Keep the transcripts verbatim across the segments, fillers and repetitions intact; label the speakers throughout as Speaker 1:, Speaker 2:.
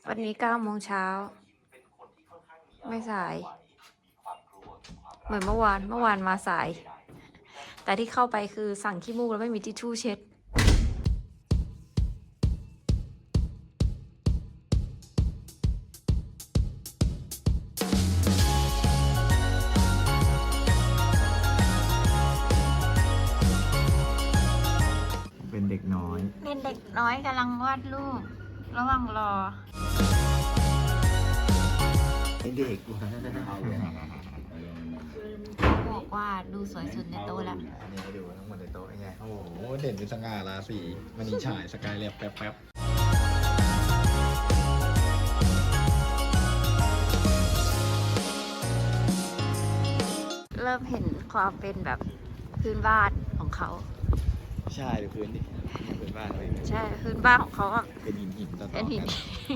Speaker 1: วันนี้เก้าโมงเช้าไม่สายเหมือนเมื่อวานเมื่อวานมาสายแต่ที่เข้าไปคือสั่งขี้มูกแล้วไม่มีทิชชู่เช็ด
Speaker 2: เป็นเด็กน้อย
Speaker 1: เป็นเด็กน้อยกำลังวาดรูประหว่างรอ
Speaker 2: ไอเด็กวะ
Speaker 1: บอกว่าดูสวยสุดในโต๊ะแล้ว
Speaker 2: อันนี้ให้ดูทั้งหมดในโต๊ะไงโอ้โหเด่นเป็นสง่าราศีมันนีฉายสกายเรียบแป๊บแป๊บ
Speaker 1: เริ่มเห็นความเป็นแบบพื้นบ้านของเขา
Speaker 2: ใช่ดูพื้นดิพื้นบ้านเลย
Speaker 1: ใช่พื้นบ้านของเขาอะ
Speaker 2: เป็นหินหินต่อๆ
Speaker 1: เป็นหิน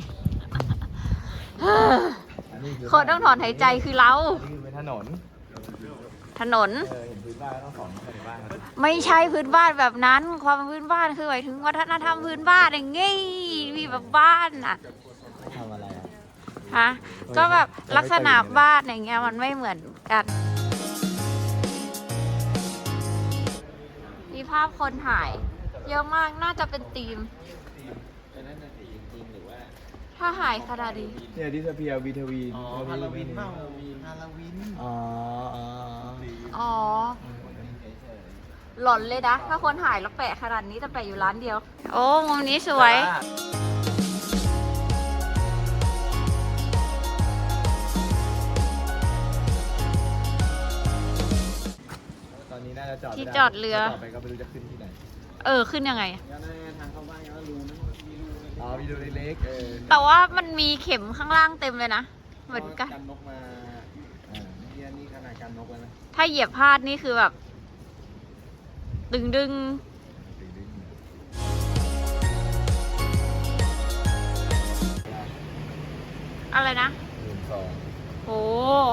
Speaker 2: กัน
Speaker 1: คนต้องถอนหายใจคือเรา
Speaker 2: นี่คือเป็นถนน
Speaker 1: ถนน
Speaker 2: เออเห็นพื้นบ้านต้องสอนในบ้าน
Speaker 1: ไม่ใช่พื้นบ้านแบบนั้นความพื้นบ้านคือหมายถึงวัฒนธรรมพื้นบ้านอย่างงี้มีแบบบ้านอ่ะ
Speaker 2: ทำอะไรอ่ะ
Speaker 1: ฮะก็แบบลักษณะบ้านอย่างเงี้ยมันไม่เหมือนกันมีภาพคนถ่ายเยอะมากน่าจะเป็นธีมถ้าหายขนาดนี้
Speaker 2: เนี่ยดิสเพียวีทวี
Speaker 3: อ๋อฮาโลวีนเปล่าฮาโลวีน
Speaker 2: อ๋ออ๋อ
Speaker 1: อ๋อหล่อนเลยนะถ้าคนถ่ายแล้วแปะขนาดนี้จะแปะอยู่ร้านเดียวโอ้มุมนี้สวย
Speaker 2: ตอนนี้น่าจะจอด
Speaker 1: ที่จอดเรือ
Speaker 2: ต่อไปก็ไม่รู้จะขึ้นที่ไหน
Speaker 1: เออขึ้นยังไง
Speaker 3: ทางเข้าบ้านก็รูนะมีรู
Speaker 2: อ๋อมีรูเล็กเออ
Speaker 1: แต่ว่ามันมีเข็มข้างล่างเต็มเลยนะเหมือนกัน
Speaker 3: กันนกมาอ่าเฮียนี่ขนาดกันนกแล้วนะ
Speaker 1: ถ้าเหยียบพลาดนี่คือแบบดึงดึงอะไรนะ
Speaker 2: หมื่นสอง
Speaker 1: โอ้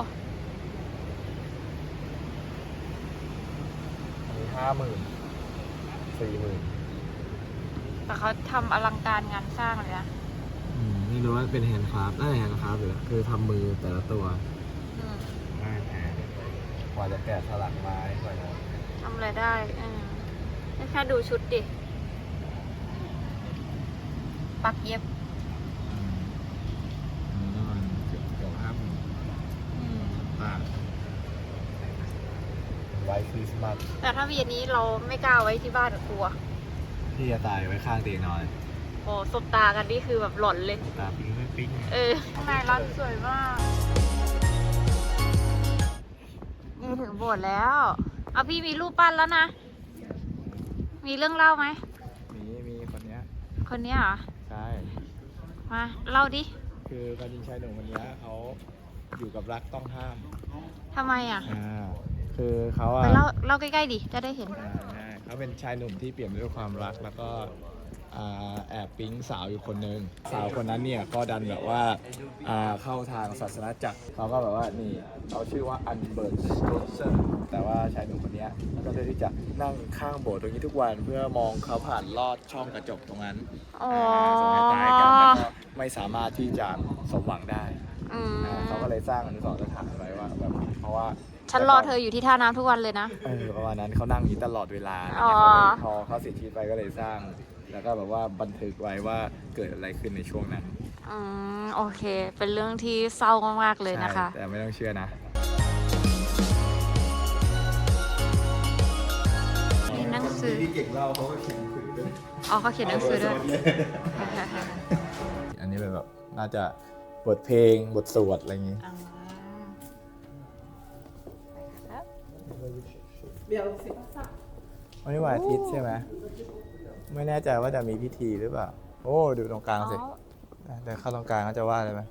Speaker 2: อันนี้ห้าหมื่นสี่หมื่น
Speaker 1: แต่เขาทำอลังการงานสร้างเลยนะ
Speaker 2: ไม่รู้ว่าเป็นแฮนด์คราฟต์น่าจะแฮนด์คราฟต์หรือคือทำมือแต่ละตัวง่ายแพงกว่าจะแกะสลักไม้กว่าจะ
Speaker 1: ทำอะไรได้แค่ดูชุดดิปักเย็บ
Speaker 2: เกือบเกือบห้าหมื่นอ่าไว้คริสต์มาส
Speaker 1: แต่ถ้าวีอันนี้เราไม่กล้าไว้ที่บ้านกลัว
Speaker 2: ที่จะตายไว้ข้างเตียงนอน
Speaker 1: โอ้สบตากันนี่คือแบบหล่อนเลย
Speaker 2: ตาปิ้งไม่ปิ้ง
Speaker 1: เออข้างในร้านสวยมากนี่ถึงโบสถ์แล้วเอาพี่มีรูปปั้นแล้วนะมีเรื่องเล่าไหม
Speaker 2: มีมีคนเนี้ย
Speaker 1: คนเนี้ยเหรอ
Speaker 2: ใช่
Speaker 1: มาเล่าดิ
Speaker 2: คือการยิงชายหนุ่มคนนี้เขาอยู่กับรักต้องห้าม
Speaker 1: ทำไมอ่ะ
Speaker 2: อ่าคือเขาอะ
Speaker 1: ไปเล่าเล่าใกล้ๆดิจะได้เห็น
Speaker 2: อ่าเขาเป็นชายหนุ่มที่เปลี่ยนด้วยความรักแล้วก็แอบปิ๊งสาวอยู่คนนึงสาวคนนั้นเนี่ยก็ดันแบบว่าเข้าทางศาสนาจักรเขาก็แบบว่านี่เขาชื่อว่าอันเบิร์ตสโตเซอร์แต่ว่าชายหนุ่มคนนี้ก็เลยที่จะนั่งข้างโบสถ์ตรงนี้ทุกวันเพื่อมองเขาผ่านลอดช่องกระจกตรงนั้นส่งให้ตายกันแล้วก็ไม่สามารถที่จะสมหวังได้เขาก็เลยสร้างอนุสรณ์สถานไว้ว่าแบบเพราะว่า
Speaker 1: ฉันรอเธออยู่ที่ท่าน้ำทุกวันเลยนะ
Speaker 2: เออประมาณนั้นเขานั่งอย่างนี้ตลอดเวลาพอเขาเสียชีวิตไปก็เลยสร้างแล้วก็แบบว่าบันทึกไว้ว่าเกิดอะไรขึ้นในช่วงนั้น
Speaker 1: อืมโอเคเป็นเรื่องที่เศร้ามากๆเลยนะคะ
Speaker 2: แต่ไม่ต้องเชื่อนะ
Speaker 1: มีหนังสือ
Speaker 2: ที่เก่งเล่าเขาก็เขียนคุยด้วย
Speaker 1: อ๋อเขาเขียนหนังสือด้วย
Speaker 2: อันนี้เป็นแบบน่าจะบทเพลงบทสวดอะไรอย่างงี้วันนี้วันอาทิตย์ใช่ไหมไม่แน่ใจว่าจะมีพิธีหรือเปล่าโอ้ดูตรงกลางสิเดี๋ยวเข้าตรงกลางเขาจะว่าอะไรไหม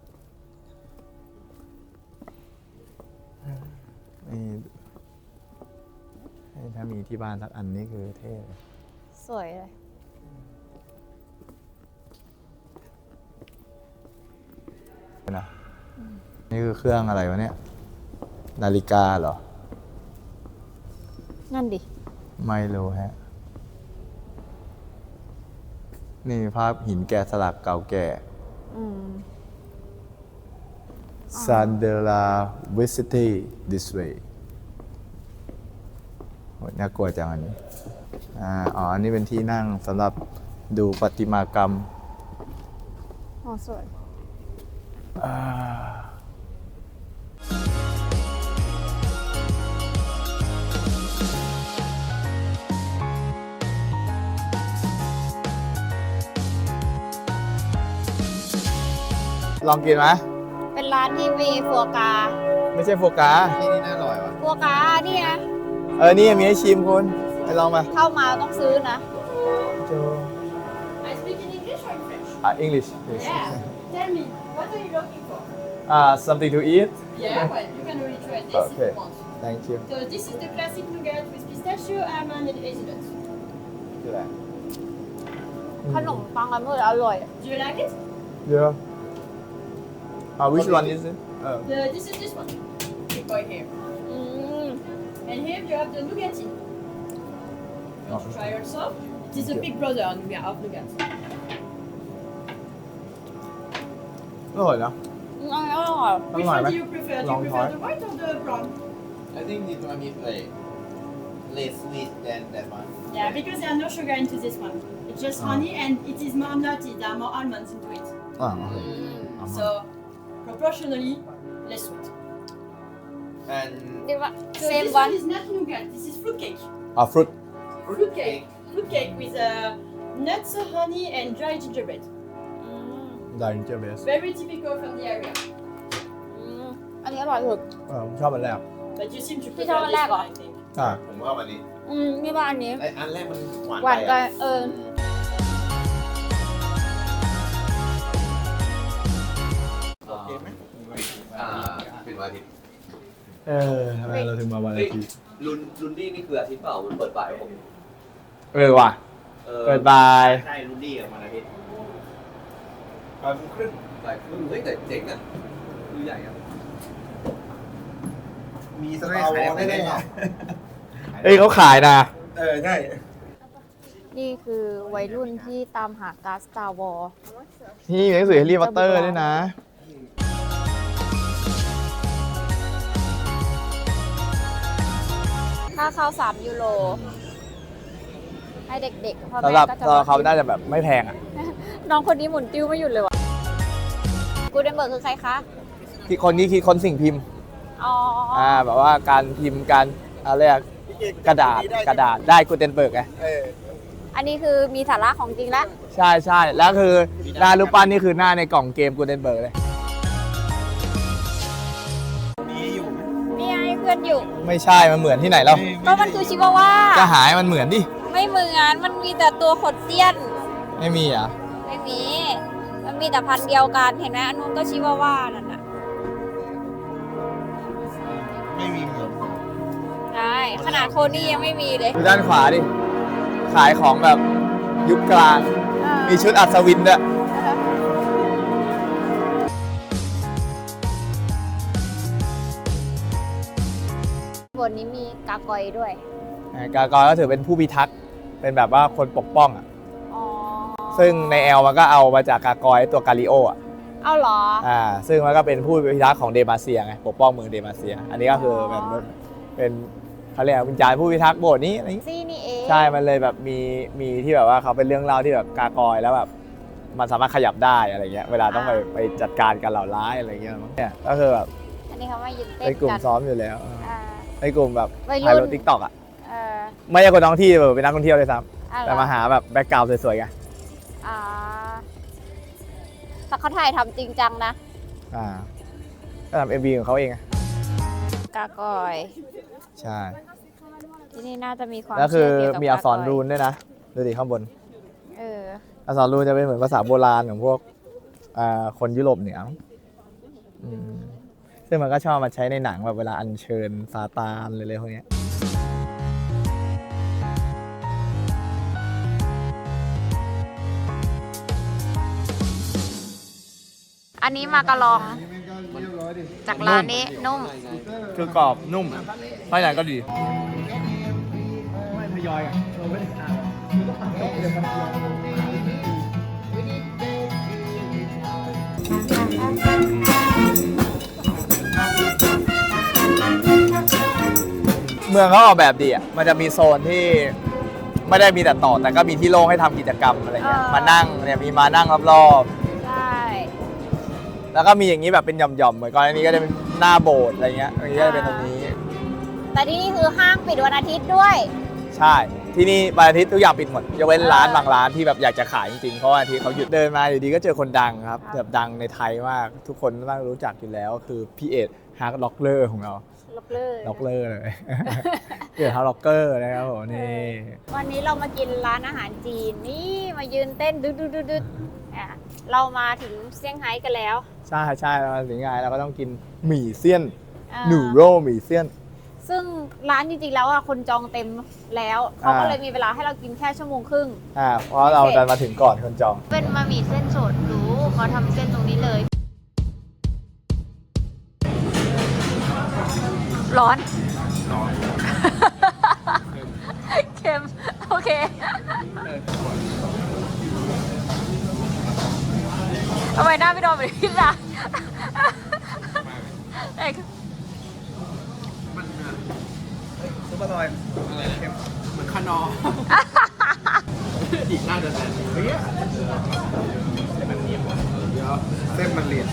Speaker 2: นี่ถ้ามีที่บ้านสักอันนี้คือเท่
Speaker 1: สวยเลย
Speaker 2: นะนี่คือเครื่องอะไรวะเนี่ยนาฬิกาเหรอ
Speaker 1: นั่นดิ
Speaker 2: ไม่รู้ฮะนี่ภาพหินแกะสลักเก่าแก่
Speaker 1: อืม
Speaker 2: Sandela Visity this way โหน่ากลัวจังอันนี้อ่าอ๋อ อันนี้เป็นที่นั่งสำหรับดูประติมากรรม
Speaker 1: อ๋อสวย
Speaker 2: อ่าลองกินไหม
Speaker 1: เป็นร้านที่มีฟัวกรา
Speaker 2: ไม่ใช่โฟกา
Speaker 3: ที่นี่น่าอร่อยว่ะ
Speaker 1: ฟัวกรานี่นะ
Speaker 2: เออ นี่มีให้ชิมคุณ ไปลองมา
Speaker 1: เข้ามาต้องซื้อนะ
Speaker 2: โจ
Speaker 4: I speak in English or in French?
Speaker 2: อ่า English please
Speaker 4: Yeah. Tell me, what are you looking for?
Speaker 2: อ่า something to eat
Speaker 4: Yeah, well, you can already try this
Speaker 2: Okay.
Speaker 4: if you want.
Speaker 2: thank you
Speaker 4: So this is the classic nougat with pistachio, almond, and hazelnut.
Speaker 2: คืออะไร
Speaker 1: ขนมปังอันนี้อร่อย
Speaker 4: Do you like it?
Speaker 2: Yeah. Uh, which one is it? Uh,
Speaker 4: The, this is this one. Big boy here.
Speaker 1: อืม
Speaker 4: And here you have the nougaty.
Speaker 2: Oh.
Speaker 4: Want to try also? It is a big brother nougat of nougat.
Speaker 2: อร่อยนะ
Speaker 1: อืมอร่อย
Speaker 4: Which
Speaker 2: Alright,
Speaker 4: one do
Speaker 2: man.
Speaker 4: you prefer? Do
Speaker 2: Long
Speaker 4: you prefer
Speaker 2: time.
Speaker 4: the white or the brown?
Speaker 3: I think this one is like less sweet than that one.
Speaker 4: Yeah, because there are no sugar into this one. It's just
Speaker 2: Oh.
Speaker 4: honey and it is more nutty. There are more almonds into it.
Speaker 2: อ่า
Speaker 4: So proportionally less sweet.
Speaker 3: And
Speaker 1: ดีว่า
Speaker 4: So
Speaker 1: same
Speaker 4: this
Speaker 1: one
Speaker 4: one is not nougat. This is fruit cake.
Speaker 2: อ่าฟรุต
Speaker 4: Fruit cake. Fruit cake with uh, nuts, honey, and dry gingerbread.
Speaker 1: อืม
Speaker 2: ดารินเจอร์เบส
Speaker 4: Very typical from the area.
Speaker 1: อืมอันนี้อร่อยสุด
Speaker 2: เออผมชอบอันแรก
Speaker 4: But you seem to
Speaker 1: Thì
Speaker 4: prefer
Speaker 1: sao
Speaker 4: this
Speaker 1: lại
Speaker 4: one,
Speaker 1: gọi?
Speaker 4: I think.
Speaker 2: อ่า
Speaker 3: ผมว่าวันนี้
Speaker 1: อืมนี่ว่าอันนี้
Speaker 3: ไออันแรกมันหวาน
Speaker 1: หวาน
Speaker 3: ไป
Speaker 1: กั
Speaker 3: อะ
Speaker 1: นเออ
Speaker 3: โอเคไหมอ่าเป็นวันอาทิตย์
Speaker 2: เออทำไมเราถึงมาวันอาทิตย์
Speaker 5: ลุนลุนดี้นี่คืออาทิตย์เปล่ามันเปิดบ่ายผม
Speaker 2: เออว่ะ
Speaker 5: เออ
Speaker 2: เปิดบาย
Speaker 3: ใช่รุ่นดี้กับวันอาทิตย์บ่ายโมงครึ่ง
Speaker 5: บ่ายครึ่งเฮ้ยแต่เจ๋งอ่ะดูใหญ่อ่ะ
Speaker 3: มีสตาร์วอลแน่ๆอ่ะ
Speaker 2: เอ้ยเขาขายนะ
Speaker 3: เออใช่
Speaker 1: นี่คือวัยรุ่นที่ตามหาการ์ด Star Wars
Speaker 2: นี่มีหนังสือแฮร์รี่พอตเตอร์ด้วยนะ
Speaker 1: ค่าเข้าสามยูโร ให้เด็กๆพ่อ
Speaker 2: สำห
Speaker 1: แม่
Speaker 2: รับ
Speaker 1: ก็จะ
Speaker 2: สำหรับเขาน่าจะแบบไม่แพงอ่ะ
Speaker 1: น้องคนนี้หมุนติ้วไม่หยุดเลยว่ะกูเดนเบิร์กคือใครคะ
Speaker 2: ที่คนนี้คิดคนสิ่งพิมพ์
Speaker 1: อ๋อ
Speaker 2: อ่า แบบว่าการพิมพ์การอะไรอะกระดาษกระดาษได้กูเทนเบิร์กไง
Speaker 3: เออ
Speaker 1: อันนี้คือมีสาระของจริงแล้ว
Speaker 2: ใช่ใช่แล้วคือหน้ารูปปั้นนี่คือหน้าในกล่องเกมกูเทนเบิร์กเลย
Speaker 3: มีอยู่ไหม
Speaker 1: นี่ไงเพื่อนอยู่
Speaker 2: ไม่ใช่ มันเหมือนที่ไหนแล้ว
Speaker 1: ก็มันคือชิวาว่า
Speaker 2: ก็หายมันเหมือนดิ
Speaker 1: ไม่เหมือน มันมีแต่ตัวขดเตี้ยน
Speaker 2: ไม่มีอ่ะ
Speaker 1: ไม่มี มันมีแต่พันธุ์เดียวกัน เห็นไหมอันนู้นก็ชิวาว่านั่นน่ะ
Speaker 3: ไม่มีเหมือน
Speaker 1: ใช่ขนาดโคนี่ยังไม่มีเลย
Speaker 2: ดูด้านขวาดิ ขายของแบบยุคกลาง มีชุดอัศวินด้วย
Speaker 1: บนนี้มีกากอยด้วย
Speaker 2: กากอยก็ถือเป็นผู้พิทักษ์ เป็นแบบว่าคนปกป้องอ่ะ
Speaker 1: อ๋อ
Speaker 2: ซึ่งในแอลมันก็เอามาจากกากอยตัวกาลิโออ่ะ
Speaker 1: เอาเหรอ
Speaker 2: อ่า ซึ่งมันก็เป็นผู้พิทักษ์ของเดมาเซียไง ปกป้องเมืองเดมาเซีย อันนี้ก็คือเป็นเป็นเขาเรียกว่าวิญญาณผู้พิทักษ์โบสถ์นี้อะไรอย่างงี้
Speaker 1: ซี่นี่เอง
Speaker 2: ใช่ มันเลยแบบมีมีที่แบบว่าเขาเป็นเรื่องเล่าที่แบบกากอยแล้วแบบมันสามารถขยับได้อะไรเงี้ย เวลาต้องไปไปจัดการกับเหล่าร้ายอะไรเงี้ยมั้งเนี่ยก็คือแบบ
Speaker 1: อันนี้เขามายืนเต้
Speaker 2: ใน
Speaker 1: น
Speaker 2: กลุ่ม
Speaker 1: กัน
Speaker 2: ซ้อมอยู่แล้ว
Speaker 1: อ่า
Speaker 2: ในกลุ่มแบบ
Speaker 1: วัยรุ่น
Speaker 2: ถ่ายรถทิกตอกอ่ะ
Speaker 1: เออ
Speaker 2: ไม่ใช่คนท้องที่แบบเป็นนักท่องเที่ยวเลยซ้
Speaker 1: อะ
Speaker 2: ำ
Speaker 1: ไร
Speaker 2: แต่มาหาแบบแบ็กกราวด์สวยๆไง
Speaker 1: อ่าแต่เขาถ่ายทำจริงจังนะ
Speaker 2: อ่าก็ทำเอ็มวีของเขาเองอะ
Speaker 1: กากอย
Speaker 2: ใช่
Speaker 1: ที่นี่น่าจะมีความ
Speaker 2: แล้วคือ
Speaker 1: เชื่เกี่ยวกับ
Speaker 2: มีอักษร
Speaker 1: กากย
Speaker 2: รูนด้วยนะดูดิข้างบน
Speaker 1: เออ
Speaker 2: อักษรรูนจะเป็นเหมือนภาษาโบราณของพวกอ่าคนยุโรปเหนืออืมซึ่งมันก็ชอบมาใช้ในหนังแบบเวลาอัญเชิญซาตานอะไรๆพวกเนี้ย
Speaker 1: อันนี้มากระลอง จากร้านนี้นุ่ม
Speaker 2: คือกรอบนุ่มภายในก็ดีไม่ทยอยอ่ะเราไม่ได้ทานเมืองเขาออกแบบดีอ่ะ มันจะมีโซนที่ไม่ได้มีแต่ต่อ แต่ก็มีที่โล่งให้ทำกิจกรรมอะไรเงี้ย
Speaker 1: เออ
Speaker 2: มานั่งเนี่ยมีมานั่งรอบ
Speaker 1: ใช่
Speaker 2: ๆ แล้วก็มีอย่างนี้แบบเป็นหย่อมๆ เหมือนก่อนอันนี้ก็จะเป็นหน้าโบสถ์อะไรเงี้ย อันนี้ก็จะเป็นตรงนี้
Speaker 1: แต่ที่นี่คือห้างปิดวันอาทิตย์ด้วย
Speaker 2: ใช่ ที่นี่วันอาทิตย์ทุกอย่างปิดหมดยกเว้นร้านบางร้านที่แบบอยากจะขายจริงๆ เพราะว่าอาทิตย์เขาหยุดเดินมาอยู่ดีก็เจอคนดังครับ แบบดังในไทยมาก ทุกคนน่ารู้จักอยู่แล้ว คือพี่เอ็ดฮาร์ดล็อกเลอร์ของเรา
Speaker 1: ล็อกเลย
Speaker 2: ล็อกเลอร์เลย พี่เอ็ดฮาร์ดล็อกเกอร์นะครับผมนี่
Speaker 1: วันนี้เรามากินร้านอาหารจีน นี่มายืนเต้นดึดดึดดึดดึดอ่ะเรามาถึงเซี่ยงไฮ้กันแล้ว
Speaker 2: ใช่ใช่เราถึงไงเราก็ต้องกินหมี่เซียน
Speaker 1: อ่า
Speaker 2: หนูโร่หมี่เซียน
Speaker 1: ซึ่งร้านจริงๆแล้วอ่ะคนจองเต็มแล้วเขาก็
Speaker 2: อ่า
Speaker 1: เลยมีเวลาให้เรากินแค่ชั่วโมงครึ่ง
Speaker 2: อ่าเพราะเราดันมาถึงก่อนคนจอง
Speaker 1: เป็นบะหมี่เส้นสดหรูเขาทำเส้นตรงนี้เลย ร้อน เค็ม โอเค ทำไมหน้าพี่โดนแบบนี้ล่ะเอก
Speaker 2: ซุปเปอร์ลอยอะไรเค็มเหมือนคานออีกหน้าเดินแบบเฮ้ยเส้นมันเนียนเดี๋ยวเส้นมันเรียน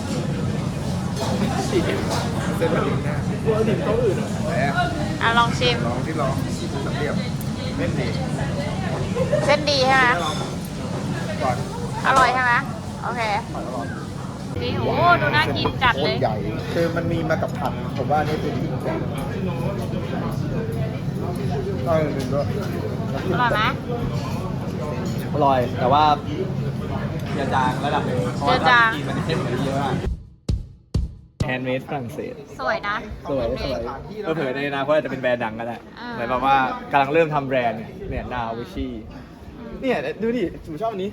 Speaker 2: เส้นมันเรียนหน้าตัวดิ่มโต๊ะอื่นอ่ะไหนอ่ะ
Speaker 1: อ่ะลองชิม
Speaker 2: ลองที่ลองสำเรียบเล่นดี
Speaker 1: เส้นดีใช่ไหม
Speaker 2: ลองก่อน
Speaker 1: อร่อยใช่ไหมโอเคนี่โอ้ดูน่ากินจัดเลย
Speaker 2: ใหญ่คือมันมีมากับผักผมว่านี่เป็นที่แปลกก็หนึ่งด้วย
Speaker 1: อร่อยไหม
Speaker 2: อร่อย แต่ว่าเจือจางระดับหนึ่งเพราะว่า
Speaker 1: เจือจาง
Speaker 2: กินมันเข้มกว่านี้เยอะมากแฮนด์เมดฝรั่งเศส
Speaker 1: สวยนะ
Speaker 2: สวยสวยเผื่อในอนาคตอาจจะเป็นแบรนด์ดังก็ได้
Speaker 1: อ่า
Speaker 2: เหมือนแบบว่ากำลังเริ่มทำแบรนด์เนี่ยเนี่ยนาวิชี่เนี่ยดูดิจูชอบอันนี้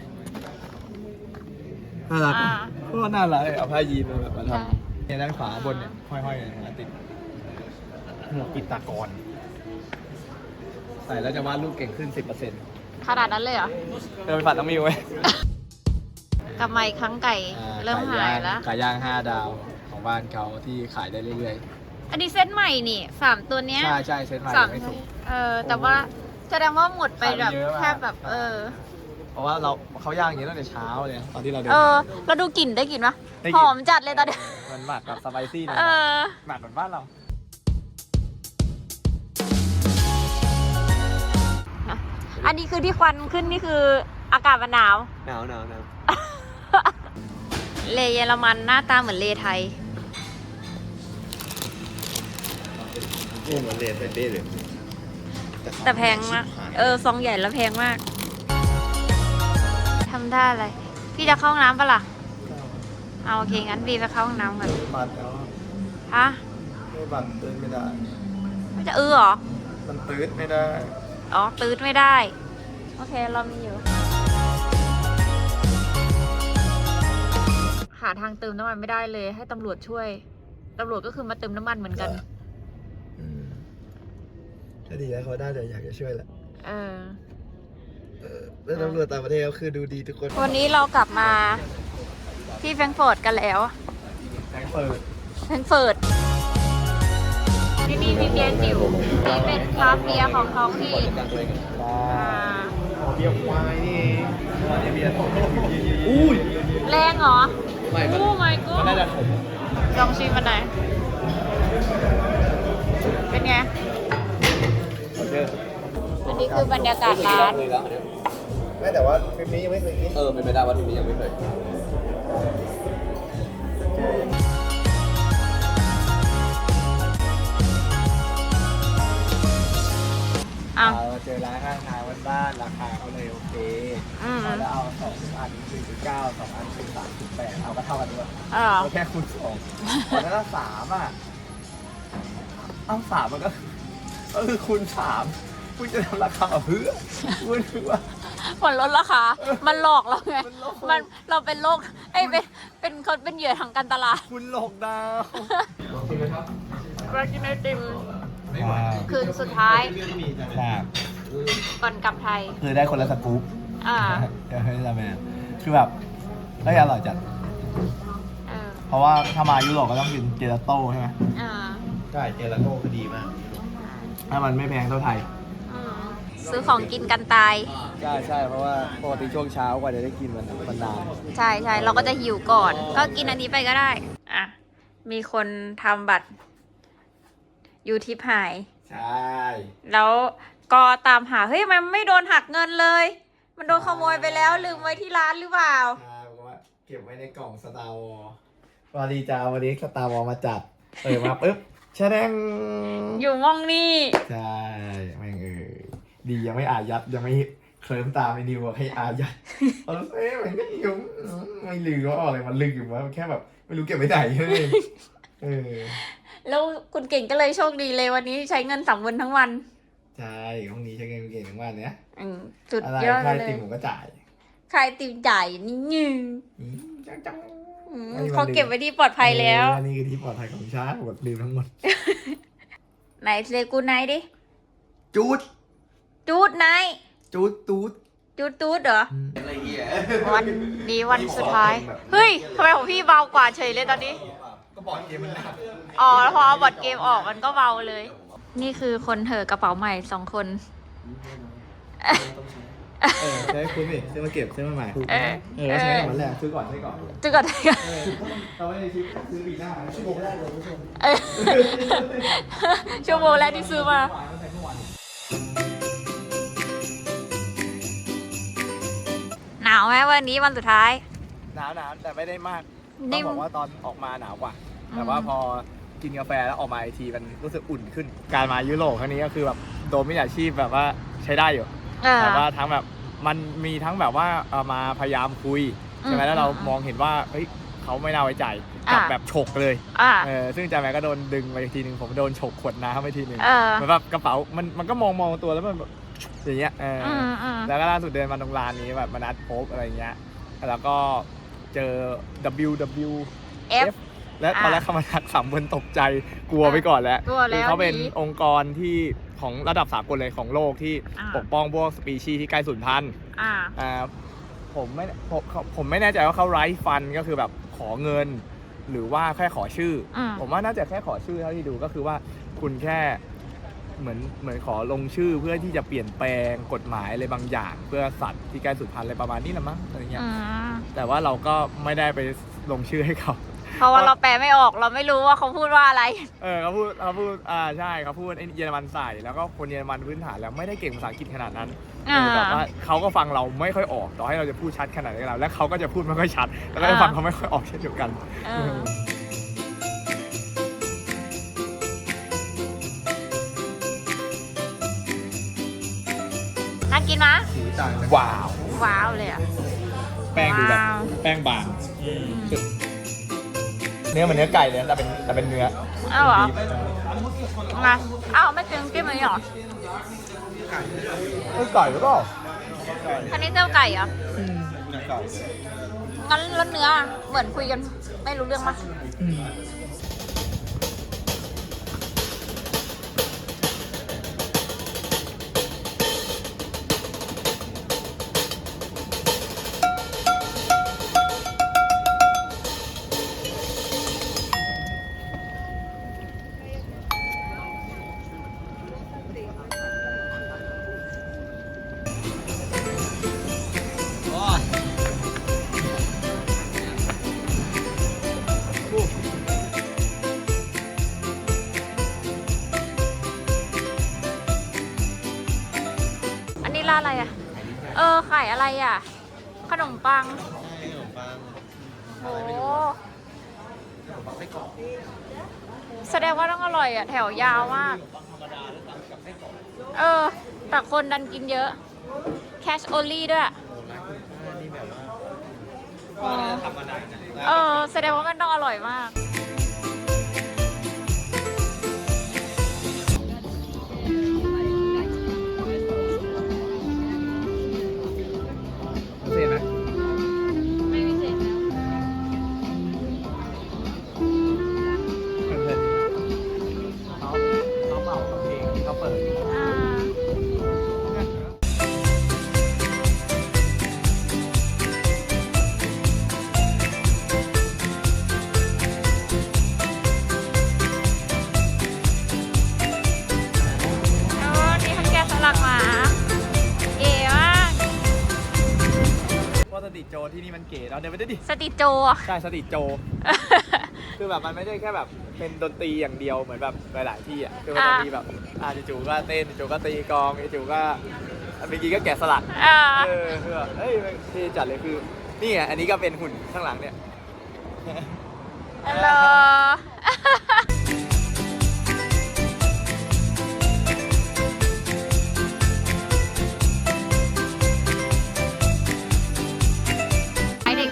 Speaker 2: น่ารัก
Speaker 1: อ่า
Speaker 2: ก็น่ารักเลยเอาผ้ายีนมาแบบมาท
Speaker 1: ใช่
Speaker 2: ำเนี่ยด้านขวาบนเนี่ยห้อยๆเนี่ยติดหมวกปิดตากรใส่แล้วจะวาดรูปเก่งขึ้น สิบเปอร์เซ็นต์
Speaker 1: ขนาดนั้นเลยเหรอ
Speaker 2: เดินไปฝันต้องมีไว้
Speaker 1: กลับมาอีกครั้งไก่เริ่มหายแล้ว
Speaker 2: ไก่ย่างห้าดาวของบ้านเขาที่ขายได้เรื่อย
Speaker 1: อันนี้เส้นใหม่นี่สามตัวเนี้
Speaker 2: ๆ
Speaker 1: ย
Speaker 2: ใช่ใช่เซ็ตใหม่
Speaker 1: สาม
Speaker 2: ไม่สุก
Speaker 1: เออแต่ว่าแสดงว่าหมดไปแบบ
Speaker 2: ขายไปเยอะมาก
Speaker 1: แทบแบบเออ
Speaker 2: เพราะว่าเราเขาย่างอย่างนี้ตั้งแต่เช้าเลยตอนที่เราเดิน
Speaker 1: เออ เราดูกลิ่นได้กลิ่นปะ
Speaker 2: ได้
Speaker 1: ห
Speaker 2: กลิ่น
Speaker 1: อมจัดเลยตอนเนี้ย
Speaker 2: มันหมักกับสไปซี่หน่อย
Speaker 1: เออ
Speaker 2: หมักเหมือนบ้านเรา
Speaker 1: อันนี้คือที่ควันขึ้นนี่คืออากาศมันหนาว
Speaker 5: หนาวหนาวหนาว
Speaker 1: เลเยอรมันหน้าตาเหมือนเลไทย
Speaker 3: โอ้เหมือนเรียนเป็นเด้เลย
Speaker 1: แต่แพงมาก เออ ซองใหญ่แล้วแพงมาก ทำได้อะไร พี่จะเข้าห้องน้ำปะล่ะ เอาโอเค งั้นบีไปเข้าห้องน้ำก่อน
Speaker 2: บัตรแล้ว
Speaker 1: ฮะ
Speaker 2: ไม่บัตรตื้นไม่ได้
Speaker 1: ไม่จะเออเหรอ
Speaker 2: มันตื้นไม่ได้
Speaker 1: อ๋อ ตืดไม่ได้ โอเค เรามีอยู่ หาทางเติมน้ำมันไม่ได้เลย ให้ตำรวจช่วย ตำรวจก็คือมาเติมน้ำมันเหมือนกัน
Speaker 2: ถ้าดีแล้วเขาได้แต่อยากจะช่วยแหละ
Speaker 1: เออ
Speaker 2: แล้วตำรวจต่างประเทศก็คือดูดีทุกคน
Speaker 1: วันนี้เรากลับมาที่แฟรงก์เฟิร์ตกันแล้ว
Speaker 2: แฟรงก์เฟิร์ต
Speaker 1: แฟรงก์เฟิร์ตที่นี่มีเบียร์จิ๋วนี่เป็นคราฟต์เบียร์ของท้องที่อ่า
Speaker 2: เบียร์ควายนี่เองเบียร์อุ้ย
Speaker 1: แรงเหรอ
Speaker 2: ไม่มัน
Speaker 1: โอ้ my
Speaker 2: มัน
Speaker 1: god
Speaker 2: น่าจะขม
Speaker 1: ลองชิมมันหน่อยเป็นไง อันนี้คือบรรยากาศร้าน
Speaker 5: เลยแล้วอันเนี้ย
Speaker 2: ไม่แต่ว่าคลิปนี้ยังไม่เคยกิน
Speaker 5: เออเป็นไปได้ว่าทีนี้ยังไม่เคย
Speaker 1: อ้าว
Speaker 2: เราเจอร้านข้างทางบ้านๆราคาเขาเลยโอเค
Speaker 1: อืม
Speaker 2: แล้วเอาสองอันสี่สิบเก้าสองอันสี่สามสิบแปดเอาก็เท่ากันด้วย
Speaker 1: อ๋อ
Speaker 2: เอาแค่คูณสองตอนนั้นสามอ่ะเอาสามมันก็ก็คือคูณสามคุณจะทำราคาเพื่อคุณคือว่า
Speaker 1: มันลดราคา มันหลอกเราไง
Speaker 2: มันหลอก
Speaker 1: มันเราเป็นโรคไอ้ยเป็นเป็นคนเป็นเหยื่อทางการตลาด
Speaker 2: คุณหลอกดาว
Speaker 1: มากินไอติม คืนสุดท้าย
Speaker 2: ครับ
Speaker 1: ก่อนกลับไทย
Speaker 2: คือได้คนละสกู๊ป
Speaker 1: อ่า
Speaker 2: เฮ้ยทำไมคือแบบเฮ้ยอร่อยจัดราะว่าถ้ามายุโรปก็ต้องกินเจลาโต้ใช่ไหม
Speaker 1: อ่า
Speaker 3: ใช่เจลาโต้คือดีมาก
Speaker 2: ถ้ามันไม่แพงเท่าไทย
Speaker 1: อืมซื้อของกินกันตาย
Speaker 2: ใช่ใช่เพราะว่าปกติช่วงเช้ากว่าจะได้กินมันมันนาน
Speaker 1: ใช่ใช่เราก็จะหิวก่อน ก็กินอันนี้ไปก็ได้ อ่ะ มีคนทำบัตรยูทิปหาย
Speaker 2: ใช่
Speaker 1: แล้วก็ตามหา เฮ้ย มันไม่โดนหักเงินเลย มันโดนขโมยไปแล้ว ลืมไว้ที่ร้านหรือเปล่า
Speaker 2: ใช่บอกว่าเก็บไว้ในกล่องสตาร์วอลพอดีจ้าวันนี้สตาร์วอลมาจัดเปิดมาปุ๊บแชะแดง
Speaker 1: อยู่มองนี่
Speaker 2: ใช่แม่งเออดียังไม่อายัดยังไม่เคลิ้มตามไอ้นิวบอกให้อายัดเออเอ๊ะมันก็ยุ่งไม่ลืมว่าอะไรมันลืมอยู่ว่าแค่แบบไม่รู้เก็บไว้ไหนเลยเออ
Speaker 1: แล้วคุณเก่งก็เลยโชคดีเลยวันนี้ใช้เงินสามวันทั้งวัน
Speaker 2: ใช่ห้องนี้ใช้เงินเก่งทั้งวันเนี้ย
Speaker 1: อืมสุด
Speaker 2: อะไร
Speaker 1: ยอด
Speaker 2: ค่า
Speaker 1: เล
Speaker 2: ติ
Speaker 1: ย
Speaker 2: มผมก็จ่าย
Speaker 1: ใครติมจ่ายนี่ยืง
Speaker 2: อืมจังจัง
Speaker 1: อืม
Speaker 2: ไม่มีวัน
Speaker 1: เขาเก็บไว้ที่ปลอดภัยแล้ว
Speaker 2: เออนี่คือที่ปลอดภัยของชาร์จหมดลืมทั้งหมด
Speaker 1: ไหนเซกูไนท์ดิ
Speaker 2: จูด
Speaker 1: จูดไนท์
Speaker 2: จูดตูด
Speaker 1: จูดตูดเหรอ
Speaker 3: อะไรเงี้ย
Speaker 1: วันนี้วันสุดท้าย เฮ้ยทำไมของพี่เบากว่าเฉยเลยตอนนี้
Speaker 2: ก็บอกเกมมันหนัก
Speaker 1: อ๋อแล้วพอเอาบอร์ดเกมออกมันก็เบาเลย นี่คือคนเถอะกระเป๋าใหม่สองคน
Speaker 2: เออใช้คุณนี่ซื้อมาเก็บซื้อมาใหม่
Speaker 1: เออ
Speaker 2: เออใช้ก่อนแรกซื้อก่อนใช้ก่อน
Speaker 1: จุกก่อน
Speaker 2: เออเราไม่ได้ซื้อซื้อปีหน้าชั่วโมงแรกเลยผู้ชม
Speaker 1: เออชั่วโมงแรกที่ซื้อมา หนาวไหมวันนี้วันสุดท้าย
Speaker 2: หนาวหนาวแต่ไม่ได้มาก
Speaker 1: นิ่
Speaker 2: ต้อง
Speaker 1: ม
Speaker 2: บอกว่าตอนออกมาหนาวกว่า
Speaker 1: อืม
Speaker 2: แต่ว่าพอกินกาแฟแล้วออกมาอีกทีมันรู้สึกอุ่นขึ้น การมายุโรปครั้งนี้ก็คือแบบโดนมิจฉาชีพแบบว่าใช้ได้อยู่
Speaker 1: เออ
Speaker 2: แต่ว่าทั้งแบบมันมีทั้งแบบว่าเอามาพยายามคุยใช่ไหม
Speaker 1: อืม
Speaker 2: แล้วเรา
Speaker 1: อืม
Speaker 2: มองเห็นว่าเฮ้ยเขาไม่น่าไว้ใจกับ
Speaker 1: อ่า
Speaker 2: แบบฉกเลย
Speaker 1: อ่า
Speaker 2: เออซึ่งจาแมก็โดนดึงไปทีนึงผมโดนฉกขวดน้ำไปทีนึง
Speaker 1: เออ
Speaker 2: เหมือนแบบกระเป๋ามันมันก็มองมองตัวแล้วมันแบบอย่างเงี้ยเอออ
Speaker 1: อืมอืม
Speaker 2: แล้วก็ล่าสุดเดินมาตรงร้านนี้แบบมานัดพบอะไรเงี้ยแล้วก็เจอ ดับเบิลยู ดับเบิลยู
Speaker 1: เอฟ
Speaker 2: และตอนแรกเขามาทักสามคนตกใจกลัวไปก่อนแล้ว
Speaker 1: กลัวแล้ว
Speaker 2: คือเขาเป็น
Speaker 1: หนี
Speaker 2: องค์กรที่ของระดับสากลเลยของโลกที่
Speaker 1: อ่า
Speaker 2: ปกป้องพวกสปีชีส์ที่ใกล้สูญพันธุ์
Speaker 1: อ่า
Speaker 2: อ่าผมไม่ผมผมไม่แน่ใจว่าเขาไร้ฟันก็คือแบบขอเงิน หรือว่าแค่ขอชื่ออ
Speaker 1: ม
Speaker 2: ผมว่าน่าจะแค่ขอชื่อเท่าที่ดูก็คือว่าคุณแค่เหมือนเหมือนขอลงชื่อเพื่อที่จะเปลี่ยนแปลงกฎหมายอะไรบางอย่าง เพื่อสัตว์ที่ใกล้สูญพันธุ์อะไรประมาณนี้ละมั้งอะไรเงี้ย
Speaker 1: อืม
Speaker 2: แต่ว่าเราก็ไม่ได้ไปลงชื่อให้เขา
Speaker 1: เพราะว่าเราแปลไม่ออกเราไม่รู้ว่าเขาพูดว่าอะไร
Speaker 2: เออเขาพูดเขาพูดอ่าใช่เขาพูดไอ้เยอรมันใส่แล้วก็คนเยอรมันพื้นฐานแล้วไม่ได้เก่งภาษาอังกฤษขนาดนั้น
Speaker 1: อ่า
Speaker 2: เออแบบว่าเขาก็ฟังเราไม่ค่อยออกต่อให้เราจะพูดชัดขนาดไหนก็แล้วและเขาก็จะพูดไม่ค่อยชัด แล้วก็จะฟังเขาไม่ค่อยออกเช่นเดียวกัน
Speaker 1: เออน่ากินมะ
Speaker 2: ว้าว
Speaker 1: ว้าวเลยอ่ะ
Speaker 2: แป้งดูแบบ
Speaker 1: ว้าว
Speaker 2: แป้งบางเนื้อเหมือนเนื้อไก่เลยแต่เป็นแต่เป็นเนื้อ
Speaker 1: อ้าวเหรอ
Speaker 2: ดีฟ
Speaker 1: มาอ้าวไม่กินจิ้มอันนี้เหรอ
Speaker 2: เอ้ยไก่หรือเปล่า
Speaker 1: คันนี้เจ้าไก่เหรอ
Speaker 2: ไก่
Speaker 1: งั้นแล้วเนื้อเหมือนคุยกันไม่รู้เรื่องปะอันนี้ร้านอะไรอ่ะ เออขายอะไรอ่ะ ขนมปัง
Speaker 3: ขนมปัง
Speaker 1: โอ้แสดงว่าต้องอร่อยอ่ะ แถวยาวมาก เออ แต่คนดันกินเยอะ cash only ด้วย
Speaker 3: นี่แบบว่า
Speaker 1: เออ แสดงว่ามันต้องอร่อยมาก
Speaker 2: เห็นไหม
Speaker 1: ไม่มีเศษ
Speaker 2: เพลินๆเขาเขาเมากับเพลงที่เขาเปิด
Speaker 1: อ่า
Speaker 2: นที่นี่มันเก๋เราเดินไปได้ดิ
Speaker 1: สติโจอะ
Speaker 2: ใช่สตรีทโจ คือแบบมันไม่ได้แค่แบบเป็นดนตรีอย่างเดียวเหมือนแบบหลายๆที่อ่ะคือมันจะมีแบบอ่าจู่ๆก็เต้นจู่ๆก็ตีกลองจู่ๆก็เมื่อกี้ก็แกะสลัก
Speaker 1: อ่า
Speaker 2: เออคือแบบเฮ้ยที่จัดเลยคือนี่ไงอันนี้ก็เป็นหุ่นข้างหลังเนี่ย
Speaker 1: ฮัลโหล ไอเด็ก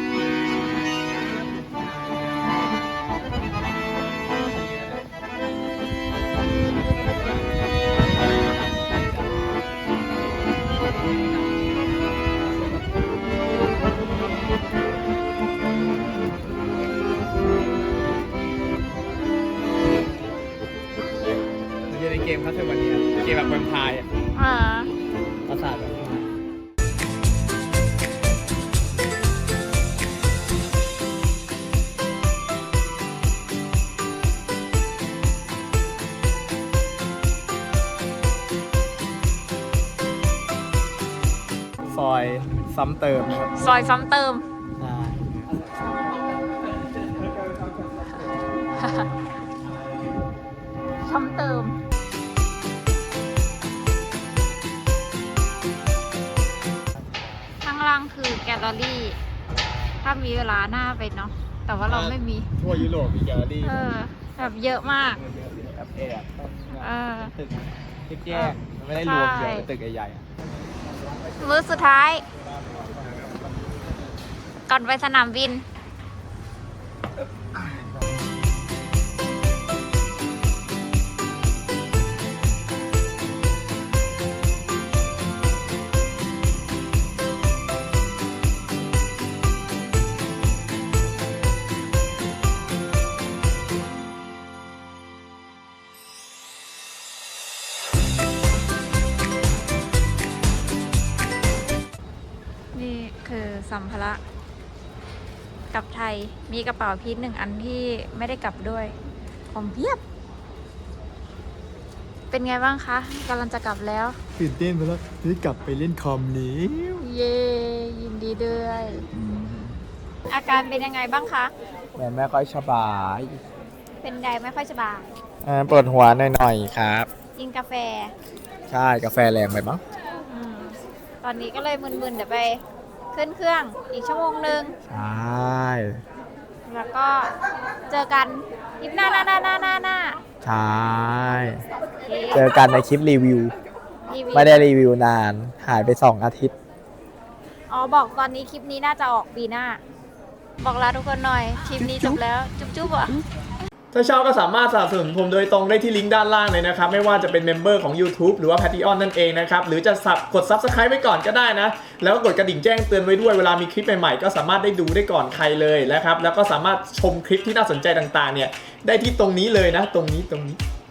Speaker 2: มันจะในเกมคัสเทอร์วันนี้เกมแบบแวมไพร์อ่ะ
Speaker 1: อ่า
Speaker 2: ประสาทแบบซอยซ้ำเติมนะครับ
Speaker 1: ซอยซ้ำเติม
Speaker 2: ใช่
Speaker 1: ซ้ำเติม ข้างล่างคือแกลเลอรี่ ถ้ามีเวลาหน้าไปเนาะ แต่ว่าเราไม่มี
Speaker 2: ทั่วยุโรปมีแกลเลอรี่
Speaker 1: เออ แบบเยอะมาก
Speaker 2: แอบแอบ
Speaker 1: เออ
Speaker 2: ตึกแยกๆมันไม่ได้รวมเดียวเป็นตึกใหญ่ๆอะ
Speaker 1: มื้อสุดท้าย ก่อนไปสนามบิน นี่คือสัมภาระกลับไทย มีกระเป๋าพีทหนึ่งอันที่ไม่ได้กลับด้วย ของเพียบ เป็นไงบ้างคะกำลังจะกลับแล้ว
Speaker 2: ตื่นเต้นไปแล้วนี่กลับไปเล่นคอมนี้
Speaker 1: เย้ยินดีด้วย อาการเป็นยังไงบ้างคะ
Speaker 2: แม่ไม่ค่อยสบาย
Speaker 1: เป็นไงไม่ค่อยสบาย
Speaker 2: อ่าปวดหัวหน่อยๆครับ
Speaker 1: กินกาแฟ
Speaker 2: ใช่กาแฟแรงไปมั้ง
Speaker 1: อมตอนนี้ก็เลยมึนๆ เดี๋ยวไปขึ้นเครื่องอีกชั่วโมงหนึ่ง
Speaker 2: ใช่
Speaker 1: แล้วก็เจอกันคลิปหน้าหน้าหน้าหน้าหน้าหน้า
Speaker 2: ใช่
Speaker 1: โอเค
Speaker 2: เจอกันในคลิปรีวิว
Speaker 1: รีวิว
Speaker 2: ไม่ได้รีวิวนาน หายไปสองอาทิตย์
Speaker 1: อ๋อ บอกตอนนี้คลิปนี้น่าจะออกปีหน้า บอกลาทุกคนหน่อย คลิปนี้จบแล้ว จุ๊บจุ๊บอ่ะ
Speaker 2: ถ้าชอบก็สามารถสนับสนุนผมโดยตรงได้ที่ลิงก์ด้านล่างเลยนะครับ ไม่ว่าจะเป็นเมมเบอร์ของ YouTube หรือว่า Patreon นั่นเองนะครับ หรือจะสับกด Subscribe ไว้ก่อนก็ได้นะ แล้วก็กดกระดิ่งแจ้งเตือนไว้ด้วยเวลามีคลิปใหม่ๆก็สามารถได้ดูได้ก่อนใครเลยนะครับ แล้วก็สามารถชมคลิปที่น่าสนใจต่างๆเนี่ยได้ที่ตรงนี้เลยนะ ตรงนี้ตรงนี้